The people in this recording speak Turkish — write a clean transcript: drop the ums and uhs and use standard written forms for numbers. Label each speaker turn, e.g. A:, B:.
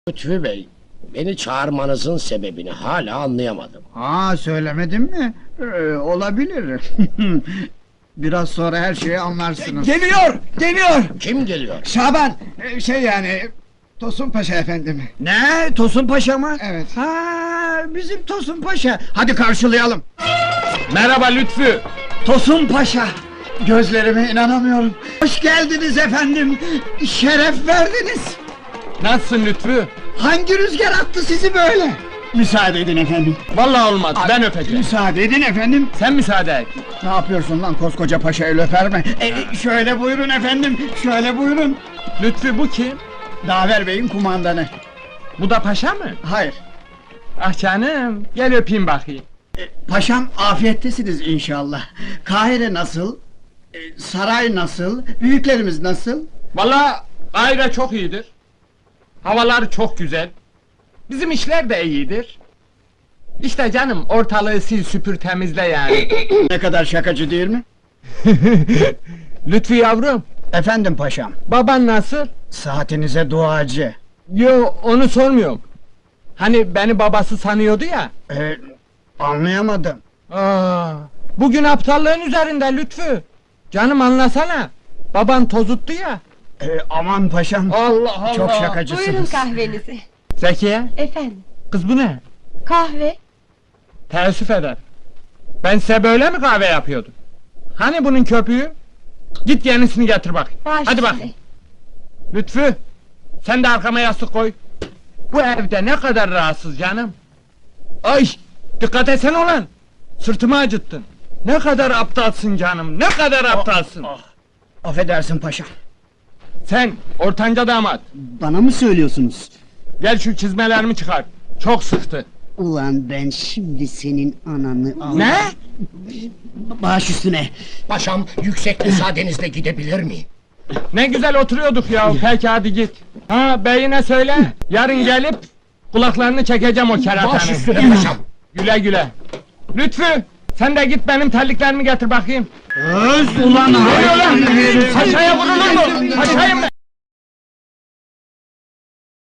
A: Lütfü Bey, beni çağırmanızın sebebini hala anlayamadım.
B: Söylemedim mi? Olabilir. Biraz sonra her şeyi anlarsınız.
C: Geliyor!
A: Kim geliyor?
C: Şaban, Tosun Paşa efendim.
B: Ne? Tosun Paşa mı?
C: Evet.
B: Bizim Tosun Paşa. Hadi karşılayalım.
C: Merhaba Lütfü.
B: Tosun Paşa. Gözlerime inanamıyorum. Hoş geldiniz efendim. Şeref verdiniz.
C: Nasılsın Lütfü?
B: Hangi rüzgar attı sizi böyle? Müsaade edin efendim.
C: Vallahi olmaz, ben öpeceğim.
B: Müsaade edin efendim.
C: Sen müsaade et.
B: Ne yapıyorsun lan koskoca paşa el öper mi? Şöyle buyurun efendim. Şöyle buyurun.
C: Lütfü bu kim?
B: Daver Bey'in kumandanı.
C: Bu da paşa mı?
B: Hayır.
C: Ah canım, gel öpeyim bakayım.
B: Paşam afiyettesiniz inşallah. Kahire nasıl? Saray nasıl? Büyüklerimiz nasıl?
C: Vallahi Kahire çok iyidir. Havalar çok güzel. Bizim işler de iyidir. İşte canım, ortalığı sil süpür temizle yani.
B: Ne kadar şakacı değil mi?
C: Lütfü yavrum,
B: Efendim paşam.
C: baban nasıl?
B: Saatinize duacı.
C: Yo, onu sormuyorum. Hani beni babası sanıyordu ya.
B: Anlayamadım.
C: Bugün aptallığın üzerinde Lütfü. Canım anlasana. Baban tozuttu ya.
B: Aman paşam.
C: Allah Allah.
B: Çok şakacısınız.
D: Buyurun kahvenizi.
C: Zekiye,
D: Efendim,
C: kız bu ne?
D: kahve.
C: Teessüf eder. Ben size böyle mi kahve yapıyordum? Hani bunun köpüğü? Git yenisini getir bak.
D: Baş
C: Hadi bak.
D: üstüne.
C: Lütfü, sen de arkama yastık koy. Bu evde ne kadar rahatsız canım. Ay, dikkat etsene ulan. Sırtımı acıttın. Ne kadar aptalsın canım, ne kadar aptalsın.
B: Affedersin paşam.
C: Sen, ortanca damat.
E: Bana mı söylüyorsunuz?
C: Gel şu çizmelerimi çıkar. Çok sıktı.
E: Ulan ben şimdi senin ananı al.
C: Ne?
E: Baş üstüne.
A: Paşam, yüksek müsaadenizle gidebilir miyim?
C: Ne güzel oturuyorduk ya. Peki hadi git. Ha, beyine söyle. Yarın gelip kulaklarını çekeceğim o
A: Baş
C: keratanın.
A: üstüne paşam.
C: Güle güle. Lütfü, sen de git benim terliklerimi getir bakayım.
B: Ulan
C: Ne oluyor lan? Paşaya vurulur mu? Paşayım ben.